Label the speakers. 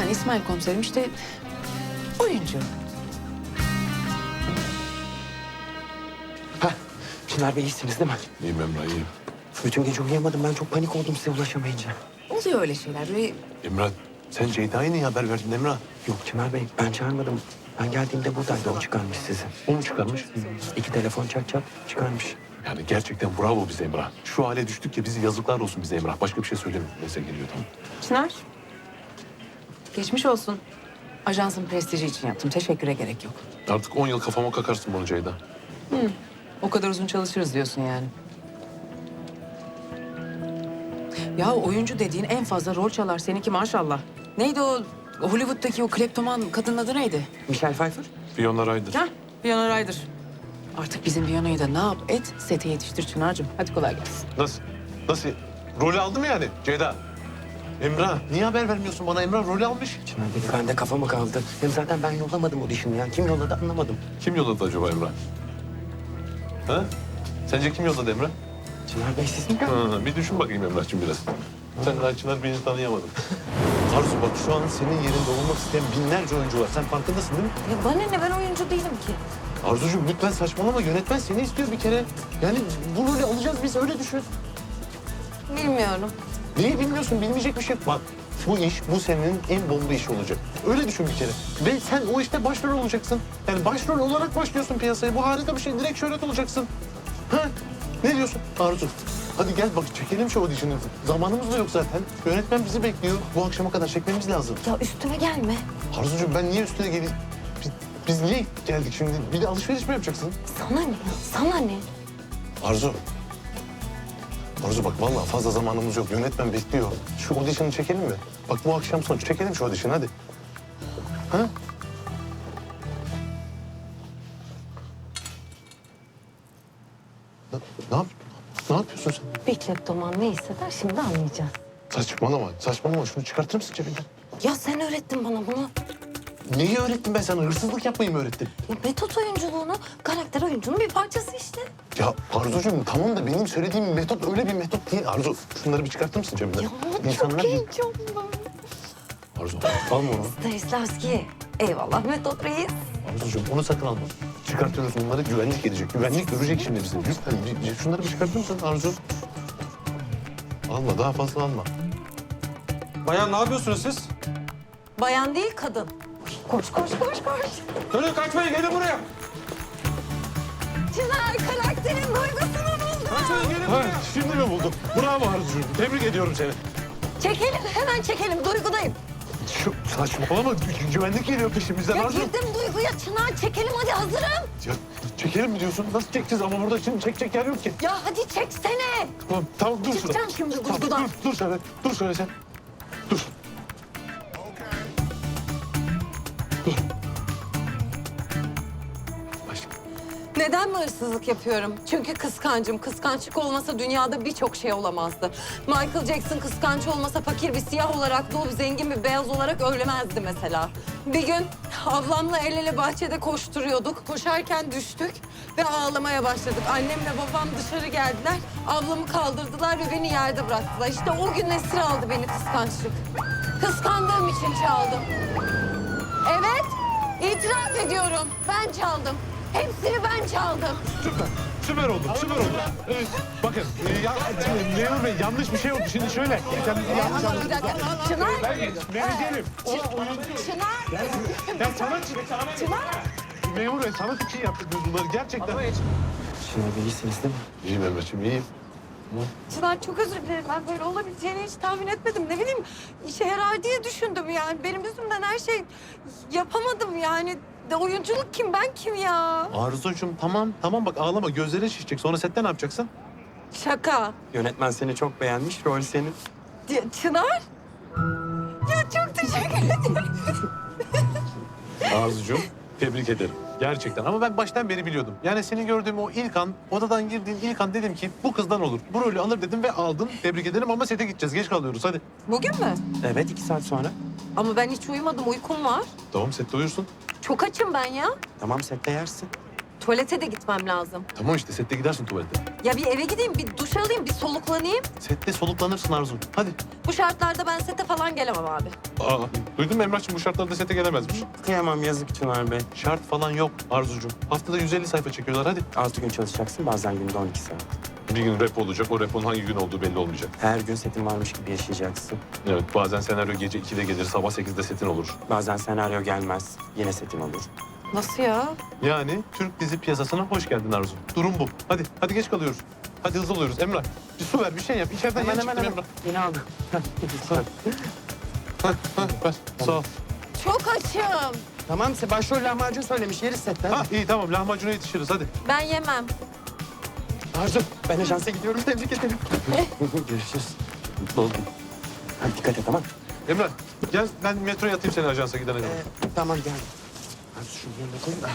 Speaker 1: Yani İsmail komiserim işte oyuncu.
Speaker 2: Heh, Çınar Bey iyisiniz değil mi?
Speaker 3: İyiyim Emrah, iyiyim.
Speaker 2: Bütün gece uyuyamadım. Ben çok panik oldum size ulaşamayınca.
Speaker 1: Oluyor öyle şeyler. Böyle
Speaker 3: Emrah, sen Ceyda'ya niye haber verdin Emrah?
Speaker 2: Yok Çınar Bey, ben çağırmadım. Ben geldiğimde buradaydı. O çıkarmış sizi.
Speaker 3: O mu çıkarmış?
Speaker 2: 2 telefon çat çat çıkarmış.
Speaker 3: Yani gerçekten bravo bize Emrah. Şu hale düştük ya, bizi yazıklar olsun bize Emrah. Başka bir şey söylemiyorum. Neyse geliyor tamam.
Speaker 1: Çınar. Geçmiş olsun. Ajansın prestiji için yaptım. Teşekküre gerek yok.
Speaker 3: Artık 10 yıl kafama kakarsın bunu Ceyda.
Speaker 1: O kadar uzun çalışırız diyorsun yani. Ya oyuncu dediğin en fazla rol çalar. Seninki maşallah. Neydi o Hollywood'daki o kleptoman kadının adı neydi?
Speaker 2: Michelle Pfeiffer?
Speaker 3: Fiona Ryder.
Speaker 1: Hah, Winona Ryder. Artık bizim Viona'yı da ne yap et, sete yetiştir Çınar'cığım. Hadi kolay gelsin.
Speaker 3: Nasıl? Nasıl? Rolü aldı mı yani Ceyda? Emrah, niye haber vermiyorsun bana? Emrah rolü almış.
Speaker 2: Çınar Bey, bende kafa mı kaldı? Hem zaten ben yollamadım audition'ı ya. Kim yolladı anlamadım.
Speaker 3: Kim yolladı acaba Emrah? Ha? Sence kim yolladı Emrah?
Speaker 2: Çınar Bey siz mi?
Speaker 3: Bir düşün bakayım Emrah'cığım biraz. Sen daha Çınar beni tanıyamadın. Arzu bak şu an senin yerinde olmak isteyen binlerce oyuncu var. Sen farkındasın değil mi?
Speaker 1: Ya bana ne, ben oyuncu değilim ki.
Speaker 3: Arzucuğum lütfen saçmalama. Yönetmen seni istiyor bir kere. Yani bu rolü alacağız biz öyle düşün.
Speaker 1: Bilmiyorum.
Speaker 3: Neyi bilmiyorsun? Bilmeyecek bir şey yok. Bak bu iş bu senin en bomba işi olacak. Öyle düşün bir kere. Ve sen o işte başrol olacaksın. Yani başrol olarak başlıyorsun piyasaya. Bu harika bir şey. Direkt şöhret olacaksın. Ha? Ne diyorsun Arzu? Hadi gel bak çekelim şu audition'ı. Zamanımız da yok zaten. Yönetmen bizi bekliyor. Bu akşama kadar çekmemiz lazım.
Speaker 4: Ya üstüme gelme.
Speaker 3: Arzucuğum ben niye üstüne geleyim? Biz niye geldik şimdi? Bir de alışveriş mi yapacaksın?
Speaker 4: Sana ne? Sana ne?
Speaker 3: Arzu. Arzu bak vallahi fazla zamanımız yok. Yönetmen bekliyor. Şu audition'ı çekelim mi? Bak bu akşam son çekelim şu audition'ı hadi. Ha? Ne, ne, yap, ne yapıyorsun sen?
Speaker 4: Bir kleptoman ne hisseder şimdi anlayacağız.
Speaker 3: Saçmalama, saçmalama. Şunu çıkartır mısın cebinden?
Speaker 4: Ya sen öğrettin bana bunu.
Speaker 3: Neyi öğrettim ben sana? Hırsızlık yapmayı mı öğrettim?
Speaker 4: Ya metot oyunculuğunu, karakter oyuncunun bir parçası işte.
Speaker 3: Ya Arzucuğum tamam da benim söylediğim metot öyle bir metot değil. Arzu şunları bir çıkartır mısın cebinden?
Speaker 4: Ya
Speaker 3: İnsanlar
Speaker 4: çok
Speaker 3: bir-
Speaker 4: heyecanlı.
Speaker 3: Arzu alma onu.
Speaker 4: Stanislavski. Eyvallah metot reis.
Speaker 3: Arzucuğum onu sakın alma. Çıkartıyoruz bunları güvenlik gelecek. Güvenlik görecek şimdi bizi. Lütfen şunları bir çıkartır mısın Arzu? Alma daha fazla alma.
Speaker 5: Bayan ne yapıyorsunuz siz?
Speaker 4: Bayan değil kadın. Koş koş koş koş.
Speaker 5: Dönün kaçmayın gelin buraya.
Speaker 4: Çınar karakterin duygusunu buldu.
Speaker 5: Kaçmayın gelin
Speaker 3: Ha,
Speaker 5: buraya.
Speaker 3: şimdi mi buldum? Bravo Arzucuğum. Tebrik ediyorum seni.
Speaker 4: Çekelim hemen çekelim duygudayım.
Speaker 3: Şu saçmalama. Güvenlik geliyor peşimizden
Speaker 4: Ya
Speaker 3: Arzu.
Speaker 4: girdim duyguya Çınar çekelim hadi hazırım.
Speaker 3: Ya, çekelim mi diyorsun? Nasıl çekeceğiz ama burada şimdi çekecek yer yok ki.
Speaker 4: Ya hadi çeksene.
Speaker 3: Tamam, tamam dur şurada.
Speaker 4: Çıkacağım şimdi
Speaker 3: Tamam,
Speaker 4: duygudan.
Speaker 3: dur şöyle. Dur şöyle sen. Dur. Dur. Başla.
Speaker 6: Neden mi hırsızlık yapıyorum? Çünkü kıskancım. Kıskançlık olmasa dünyada birçok şey olamazdı. Michael Jackson kıskanç olmasa fakir bir siyah olarak doğup zengin bir beyaz olarak ölemezdi mesela. Bir gün ablamla el ele bahçede koşturuyorduk. Koşarken düştük ve ağlamaya başladık. Annemle babam dışarı geldiler. Ablamı kaldırdılar ve beni yerde bıraktılar. İşte o gün esir aldı beni kıskançlık. Kıskandığım için çaldım. Evet, itiraf ediyorum. Ben çaldım. Hepsini ben çaldım.
Speaker 3: Süper. Süper oldu. Süper oldu. Evet, bakın Memur Bey yanlış bir şey oldu. Şimdi şöyle. Sen yanlış
Speaker 6: Bir
Speaker 3: anladın.
Speaker 6: dakika. Çınar.
Speaker 3: Menajerim.
Speaker 6: Çınar.
Speaker 3: Ya sana Memur Bey sanat için yaptık biz bunları gerçekten.
Speaker 2: Çınar Bey iyisiniz değil mi?
Speaker 3: İyiyim Emre'ciğim iyiyim.
Speaker 6: Çınar çok özür dilerim. Ben böyle olabileceğini hiç tahmin etmedim. Ne bileyim işe yarar diye düşündüm yani. Benim yüzümden her şey yapamadım yani. De oyunculuk kim ben kim ya?
Speaker 3: Arzucuğum tamam bak ağlama gözlerin şişecek. Sonra sette ne yapacaksın?
Speaker 6: Şaka.
Speaker 2: Yönetmen seni çok beğenmiş. Rol senin.
Speaker 6: Çınar. Ya çok teşekkür ederim.
Speaker 3: Arzucuğum tebrik ederim. Gerçekten ama ben baştan beri biliyordum. Yani seni gördüğüm o ilk an, odadan girdiğin ilk an dedim ki bu kızdan olur. Bu rolü alır dedim ve aldım. Tebrik ederim ama sete gideceğiz. Geç kalıyoruz hadi.
Speaker 6: Bugün mü?
Speaker 2: Evet 2 saat sonra.
Speaker 6: Ama ben hiç uyumadım. Uykum var.
Speaker 3: Tamam sette uyursun.
Speaker 6: Çok açım ben ya.
Speaker 2: Tamam sette yersin.
Speaker 6: Tuvalete de gitmem lazım.
Speaker 3: Tamam işte sette gidersin tuvalete.
Speaker 6: Ya bir eve gideyim, bir duş alayım, bir soluklanayım.
Speaker 3: Sette soluklanırsın Arzu. Hadi.
Speaker 6: Bu şartlarda ben sete falan gelemem abi.
Speaker 3: Aa, duydun mu Emrah'cığım bu şartlarda sete gelemezmiş.
Speaker 2: Kıyamam yazık Çınar Bey.
Speaker 3: Şart falan yok Arzucuğum. Haftada 150 sayfa çekiyorlar hadi.
Speaker 2: 6 gün çalışacaksın bazen günde 12 saat.
Speaker 3: Bir gün rap olacak. O rap'in hangi gün olduğu belli olmayacak.
Speaker 2: Her gün setin varmış gibi yaşayacaksın.
Speaker 3: Evet bazen senaryo gece 2'de gelir, sabah 8'de setin olur.
Speaker 2: Bazen senaryo gelmez. Yine setin olur.
Speaker 6: Nasıl ya?
Speaker 3: Yani Türk dizi piyasasına hoş geldin Arzu. Durum bu. Hadi geç kalıyoruz. Hadi hızlı oluyoruz Emrah. Bir su ver, bir şey yap. İçeriden yeni çıktım Emrah.
Speaker 2: Yine aldım.
Speaker 3: Ver, sağ ol.
Speaker 6: Çok açım.
Speaker 2: Tamam başrol lahmacun söylemiş yeriz setten.
Speaker 3: Ha iyi tamam lahmacuna yetişiriz hadi.
Speaker 6: Ben yemem.
Speaker 2: Arzu ben ajansa gidiyorum tebrik ederim. Görüşürüz. Mutlu oldum. Hadi dikkat et tamam.
Speaker 3: Emrah gel ben metroya atayım seni ajansa gidene kadar.
Speaker 2: Tamam gel. Arzu şunu yerine koy.